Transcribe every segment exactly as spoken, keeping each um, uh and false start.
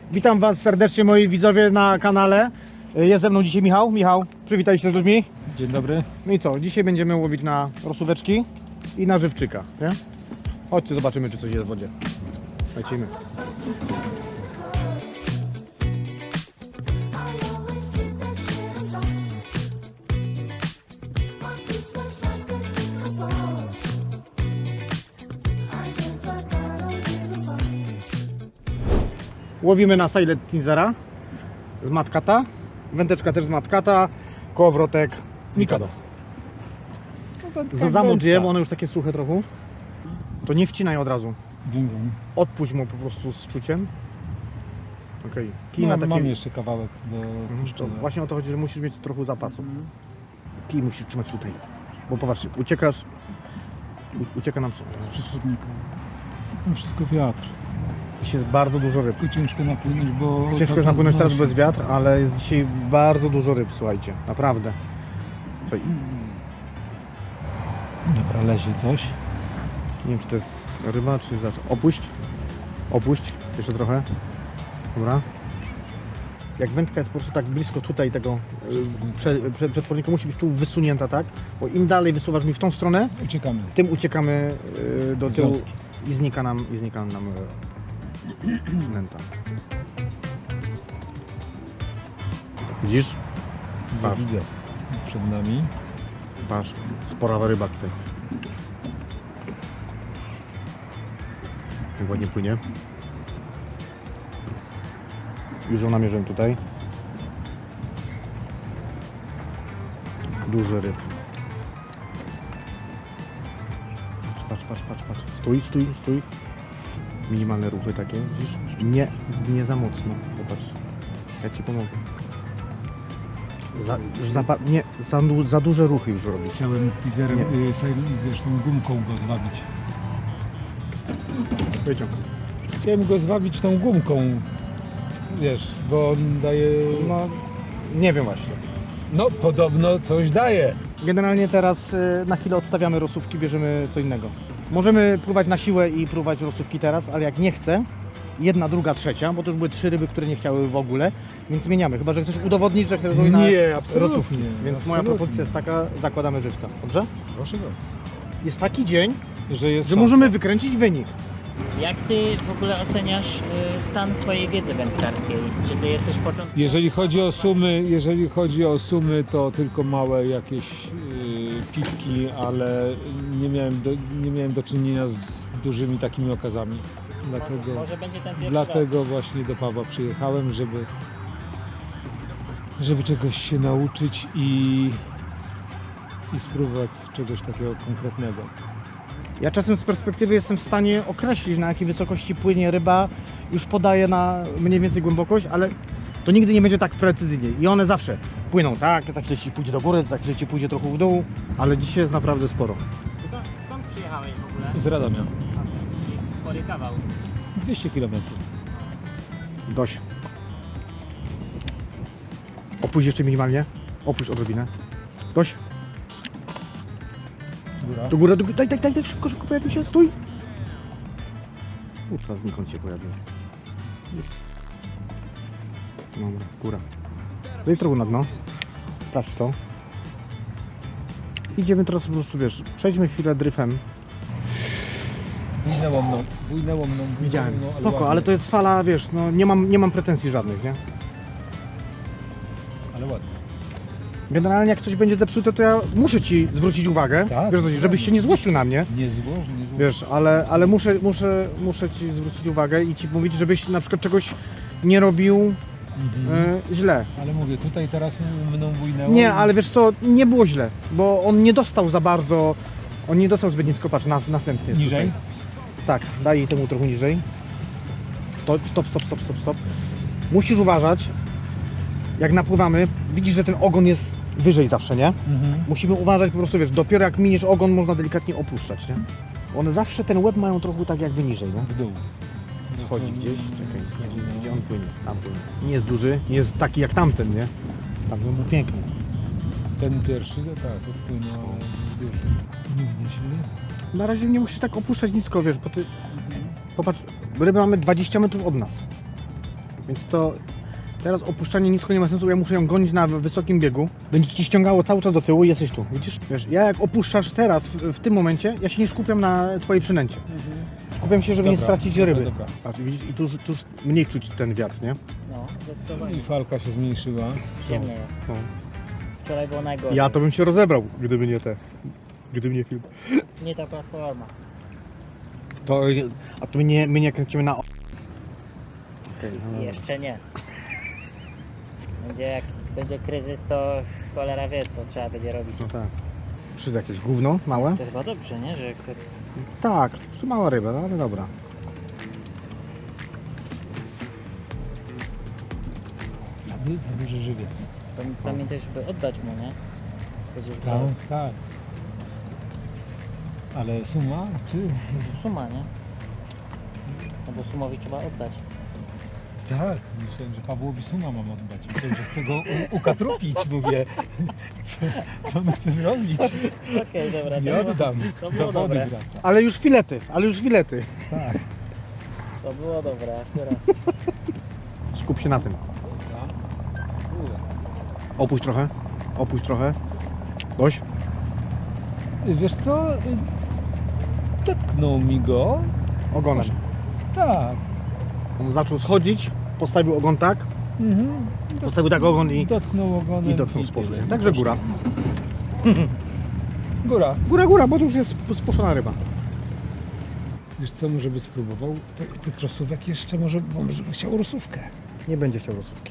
Witam Was serdecznie, moi widzowie na kanale. Jest ze mną dzisiaj Michał. Michał, przywitaj się z ludźmi. Dzień dobry. No i co? Dzisiaj będziemy łowić na rosóweczki i na żywczyka, nie? Chodźcie, zobaczymy, czy coś jest w wodzie. Lecimy. Łowimy na Silent Teasera z Matkata, wędeczka też z Matkata, kołowrotek z Mikado. Za zamocz je, bo one już takie suche trochę. To nie wcinaj od razu. Wiem, wiem. Odpuść mu po prostu z czuciem. Okej. Kij No, na takie... mam jeszcze kawałek do Mhm, to puszczenia. właśnie o to chodzi, że musisz mieć trochę zapasu. Kij musisz trzymać tutaj. Bo popatrz, uciekasz. U, ucieka nam Z przewodnika. To wszystko wiatr. Dzisiaj jest bardzo dużo ryb. Tylko ciężko napłynąć, bo... Ciężko jest cały czas napłynąć teraz, bo znosi. jest wiatr, ale jest dzisiaj bardzo dużo ryb, słuchajcie. Naprawdę. Słuchaj, Dobra, leży coś. nie wiem, czy to jest ryba, czy zacz. Opuść. Opuść. Jeszcze trochę. Dobra. Jak wędka jest po prostu tak blisko tutaj tego y, prze, prze, przetwornika, musi być tu wysunięta, tak? Bo im dalej wysuwasz mi w tą stronę, Uciekamy. tym uciekamy y, do tyłu Związki. i znika nam, i znika nam y, przynęta. Widzisz? Ja Patrz. widzę. Przed nami. Patrz, spora ryba tutaj. Jak ładnie płynie. Już ją namierzyłem tutaj. Duży ryb. Patrz, patrz, patrz, patrz. Stój, stój, stój. Minimalne ruchy takie, widzisz? Nie, nie za mocno. Popatrz. Ja Ci pomogę. Za, za, nie, za, du- za duże ruchy już robisz. Chciałem pizerem, y, wiesz, tą gumką go zwabić. Wyciąg. Chciałem go zwabić tą gumką. Wiesz, bo on daje... No, nie wiem właśnie. No, podobno coś daje. Generalnie teraz y, na chwilę odstawiamy rosówki, bierzemy co innego. Możemy próbować na siłę i próbować rosówki teraz, ale jak nie chcę, jedna, druga, trzecia, bo to już były trzy ryby, które nie chciały w ogóle, więc zmieniamy. Chyba że chcesz udowodnić, że chcesz zrobić na Nie, absolutnie. rosówki. Więc moja absolutnie. propozycja jest taka, zakładamy żywca. Dobrze? Proszę bardzo. Jest taki dzień, Że jest że szansa. możemy wykręcić wynik. Jak ty w ogóle oceniasz y, stan swojej wiedzy wędkarskiej? Czy ty jesteś początkujący? Jeżeli chodzi o sumy, jeżeli chodzi o sumy, to tylko małe jakieś yy, piwki, ale nie miałem, do, nie miałem do czynienia z dużymi takimi okazami. Dlatego, Może będzie ten pierwszy dlatego właśnie do Pawła przyjechałem, żeby, żeby czegoś się nauczyć i, i spróbować czegoś takiego konkretnego. Ja czasem z perspektywy jestem w stanie określić, na jakiej wysokości płynie ryba, już podaję na mniej więcej głębokość, ale to nigdy nie będzie tak precyzyjnie. I one zawsze płyną tak, za chwilę ci pójdzie do góry, za chwilę ci pójdzie trochę w dół, ale dzisiaj jest naprawdę sporo. Skąd, skąd przyjechałeś w ogóle? Z Radomia. Spory kawał. dwieście kilometrów. Dość. Opuść jeszcze minimalnie. Opuść odrobinę. Dość. Góra. Do góry, do góry. Daj, daj, daj, daj, szybko, szybko pojawił się. Stój. Kurwa, znikąd się pojawił. Dobra, góra. Zejdź trochę na dno. Sprawdź to. Idziemy teraz po prostu, wiesz, przejdźmy chwilę dryfem. Bujnęło mną, bujnęło mną. bujnęło Widziałem. mną, Spoko, ładnie. ale to jest fala, wiesz, no nie mam, nie mam pretensji żadnych, nie? Ale ładnie. Generalnie jak coś będzie zepsute, to ja muszę Ci zwrócić uwagę, Tak, wiesz, co chodzi, żebyś się nie złościł na mnie, Nie złoż, nie złoż. wiesz, ale, ale muszę, muszę, muszę Ci zwrócić uwagę i Ci mówić, żebyś na przykład czegoś nie robił Mhm. e, źle. Ale mówię, tutaj teraz mną bujnęło. Nie, ale wiesz co, nie było źle, bo on nie dostał za bardzo, on nie dostał zbyt nisko, patrz, nas, następny jest Niżej? tutaj. Tak, daj temu trochę niżej. Stop, stop, stop, stop, stop, stop. Musisz uważać, jak napływamy, widzisz, że ten ogon jest wyżej zawsze, nie? Mhm. Musimy uważać po prostu, wiesz, dopiero jak miniesz ogon, można delikatnie opuszczać, nie? One zawsze ten łeb mają trochę tak jakby niżej, no. W dół. Schodzi gdzieś, czekaj, gdzie, gdzie on płynie? Tam płynie. Nie jest duży, nie jest taki jak tamten, nie? Tamten był piękny. Ten pierwszy, to tak, odpłynął, ale duży. Nie widzę się. Na razie nie musisz tak opuszczać nisko, wiesz, bo ty... Popatrz, ryby mamy dwadzieścia metrów od nas. Więc to teraz opuszczanie nisko nie ma sensu, ja muszę ją gonić na wysokim biegu. Będzie ci ściągało cały czas do tyłu i jesteś tu, widzisz? Wiesz, ja jak opuszczasz teraz, w, w tym momencie, ja się nie skupiam na twojej przynęcie. Skupiam się, żeby nie Dobra, stracić dobra, ryby. dobra. Patrz, widzisz, i tu już, tu już mniej czuć ten wiatr, nie? No, zdecydowanie. I falka się zmniejszyła. Ziemnie jest. No. Wczoraj było najgorzej. Ja to bym się rozebrał, gdyby nie te, gdyby nie film. Nie ta platforma. To, a tu my nie, my nie kręcimy na o... Okej, no. Jeszcze nie. Będzie jak będzie kryzys, to cholera wie, co trzeba będzie robić. No tak. Przy jakieś gówno małe? To chyba dobrze, nie? Że jak sobie... Tak, przy mała ryba, no ale dobra. Sobie zabierze żywiec. Pam- Pamiętaj, żeby oddać mu, nie? Będziesz Tak, brał tak. Ale suma, czy... suma, nie? No bo sumowi trzeba oddać. Tak, myślałem, że Pawłowi suma mam oddać. Myślałem, że chcę go u- ukatrupić, mówię. Co, co on chce zrobić? Okej, dobra. to Nie było- oddam. To Do było wody dobre. wraca. Ale już filety, ale już filety. Tak. To było dobre akurat. Skup się na tym. Opuść trochę, opuść trochę. Dość. Wiesz co? Dotknął mi go. Ogonem. Tak. On zaczął schodzić, postawił ogon tak, Mhm. postawił tak ogon i, Dotknął ogonem. i dotknął z tyle. powrotem. Także góra. Góra. Góra, góra, bo to już jest spuszczona ryba. Wiesz co, może by spróbował te, tych rosówek jeszcze, może, bo może by chciał rosówkę. Nie będzie chciał rozsówki.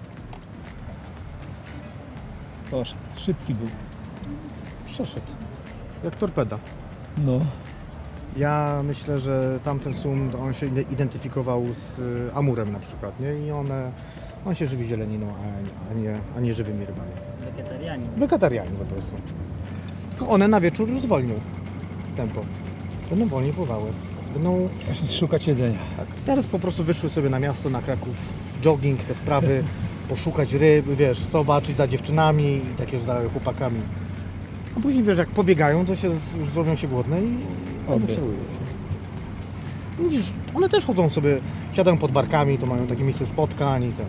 Poszedł, szybki był. Przeszedł. Jak torpeda. No. Ja myślę, że tamten sum, to on się ide- identyfikował z y, amurem na przykład, nie? I one, on się żywi zieleniną, a, a, nie, a nie żywymi rybami. Wegetarianin. Wegetarianin po prostu. Tylko one na wieczór już zwolnią tempo. Będą wolniej pływały. Będą, Muszę szukać jedzenia. tak. Teraz po prostu wyszły sobie na miasto, na Kraków, jogging, te sprawy, poszukać ryb, wiesz, zobaczyć za dziewczynami i takie za chłopakami. A później, wiesz, jak pobiegają, to się z- już zrobią się głodne i Obie. obie. się. Widzisz, one też chodzą sobie, siadają pod barkami, to mają takie miejsce spotkań i ten.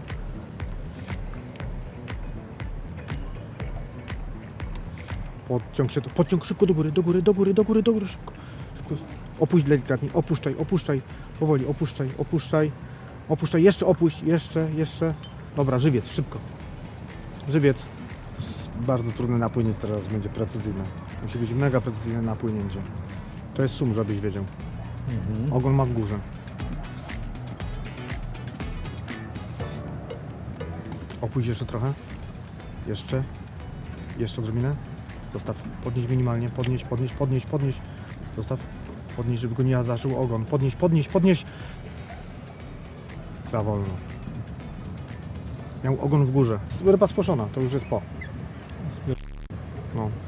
Podciąg się, tu, podciąg szybko do góry, do góry, do góry, do góry, do góry, szybko. szybko. Opuść delikatnie, opuszczaj, opuszczaj, powoli, opuszczaj, opuszczaj, opuszczaj, jeszcze opuść, jeszcze, jeszcze. Dobra, żywiec, szybko. Żywiec. Jest bardzo trudne napłynięcie teraz będzie precyzyjne. Musi być mega precyzyjne napłynięcie. To jest sum, żebyś wiedział. Mhm. Ogon ma w górze. Opuść jeszcze trochę. Jeszcze. Jeszcze odrobinę. Zostaw. Podnieś minimalnie. Podnieś, podnieś, podnieś, podnieś. Zostaw. Podnieś, żeby go nie zażył ogon. Podnieś, podnieś, podnieś. Za wolno. Miał ogon w górze. Ryba spłoszona, to już jest po. No.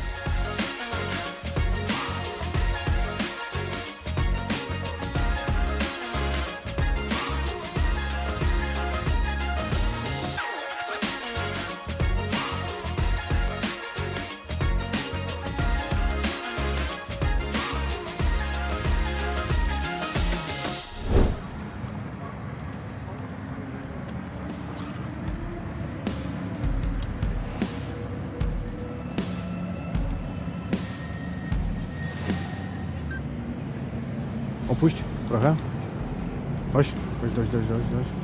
Opuść trochę. Dość, dość, dość, dość, dość, dość.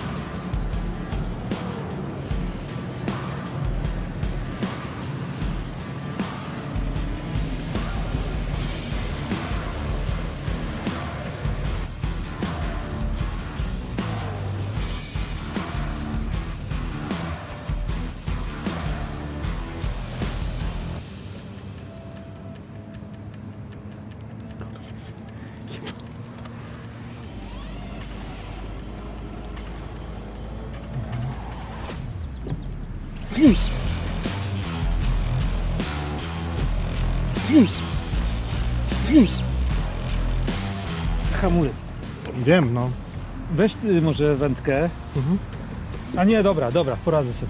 Hamulec. Wiem, no. Weź ty może wędkę. Mhm. A nie, dobra, dobra, poradzę sobie.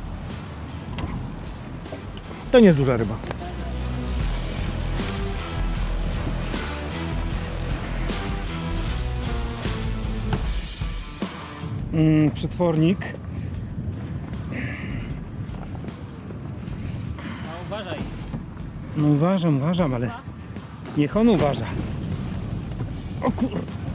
To nie jest duża ryba. mm, przetwornik. No uważaj. No uważam, uważam, ale niech on uważa. O kur...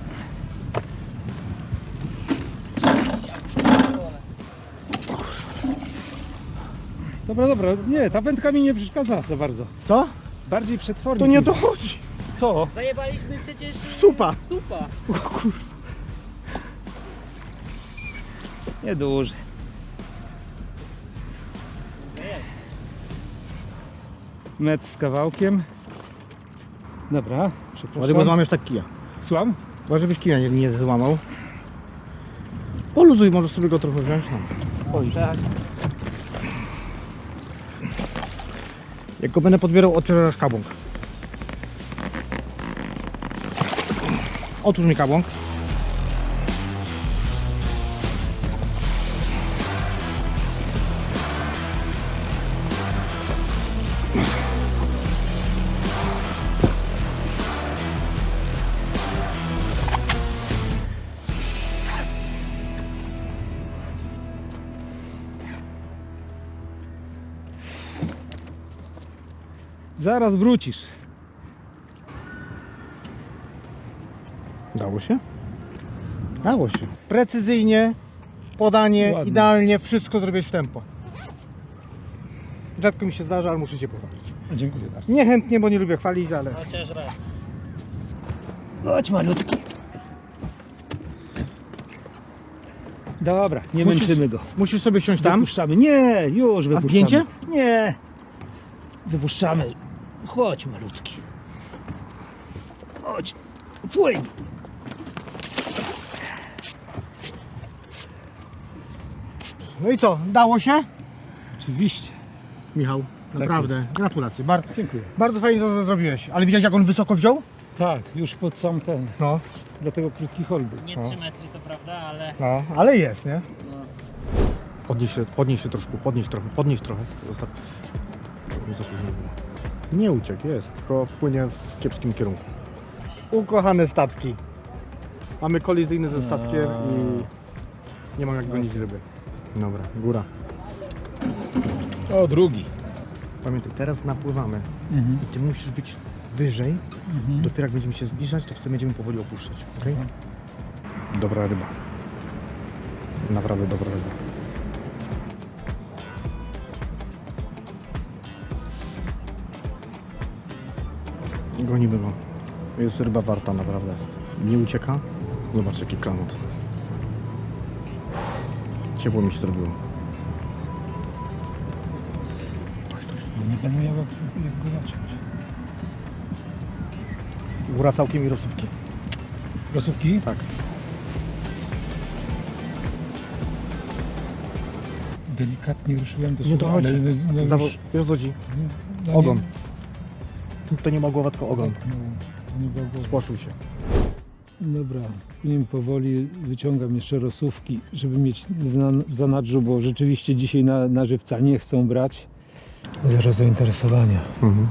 Dobra, dobra, nie, ta wędka mi nie przeszkadza za bardzo. Co? Bardziej przetwornik. To nie mi- to chodzi. Co? Zajebaliśmy przecież... Supa. Supa. Nie duży. Metr z kawałkiem. Dobra, Ładnie, bo przepraszam. złamiesz tak kija. Słucham? Chyba, żebyś kija nie, nie złamał. Poluzuj, możesz sobie go trochę wziąć. No. Oj, tak. Jak go będę podbierał, otwierasz kabłąk. Otwórz mi kabłąk. Zaraz wrócisz. Dało się? Dało się. Precyzyjnie, podanie, Ładnie. idealnie, wszystko zrobić w tempo. Rzadko mi się zdarza, ale muszę cię pochwalić. Dziękuję bardzo. Niechętnie, bo nie lubię chwalić, ale... Chociaż raz. Chodź malutki. Dobra, nie Musisz- męczymy go. Musisz sobie siąść tam. Wypuszczamy. Nie, już wypuszczamy. zdjęcie? Nie. Wypuszczamy. Chodź malutki. Chodź. Płyń. No i co, dało się? Oczywiście. Michał, naprawdę, jest. gratulacje. Bar Dziękuję. bardzo fajnie to zrobiłeś. Ale widziałeś, jak on wysoko wziął? Tak, już pod sam ten. No, Dlatego krótki hol był. Nie trzy metry co prawda, ale... no, ale jest, nie? No. Podnieś się, podnieś się troszkę, podnieś trochę, podnieś trochę. Zostaw. Nie za późno było. Nie uciekł, jest, tylko płynie w kiepskim kierunku. Ukochane statki. Mamy kolizyjny ze statkiem i nie mam jak gonić ryby. Dobra, góra. O, drugi. Pamiętaj, teraz napływamy. Mhm. Ty musisz być wyżej. Mhm. Dopiero jak będziemy się zbliżać, to wtedy będziemy powoli opuszczać. Okay? Dobra ryba. Naprawdę dobra ryba. Gonimy go. Jest ryba warta naprawdę. Nie ucieka. Zobacz jaki klamot. Ciepło mi się zrobiło. Nie będę miał jak, jak go zacząć. Góra całkiem i rosówki. Rosówki? Tak. Delikatnie ruszyłem do Nie słowa, dochodzi. ale no, już, Zawo- Wiesz co chodzi? no, Ogon. Nie, To nie ma głowa, tylko ogon. no, nie było głowy. Spłoszył się. Dobra, płyniem powoli, wyciągam jeszcze rosówki, żeby mieć w, na, w zanadrzu, bo rzeczywiście dzisiaj na, na żywca nie chcą brać. Zero zainteresowania. Mhm.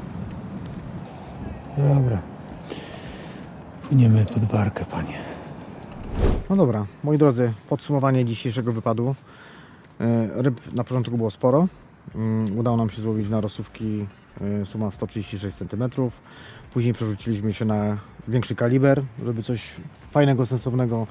Dobra. Płyniemy pod barkę, panie. No dobra, moi drodzy, podsumowanie dzisiejszego wypadu. E, Ryb na początku było sporo. Mm, Udało nam się złowić na rosówki e, suma sto trzydzieści sześć centymetrów. Później przerzuciliśmy się na większy kaliber, żeby coś fajnego, sensownego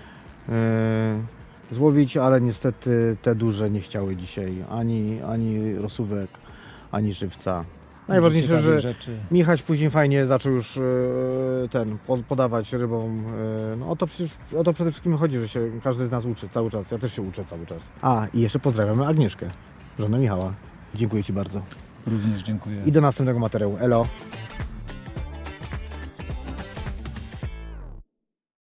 e, złowić, ale niestety te duże nie chciały dzisiaj ani, ani rosówek, ani żywca. Najważniejsze, Ciekawych że rzeczy. Michał później fajnie zaczął już e, ten po- podawać rybom. e, No o to przecież o to przede wszystkim chodzi, że się każdy z nas uczy cały czas. Ja też się uczę cały czas. A i jeszcze pozdrawiamy Agnieszkę, żonę Michała. Dziękuję Ci bardzo. Również dziękuję. I do następnego materiału. Elo.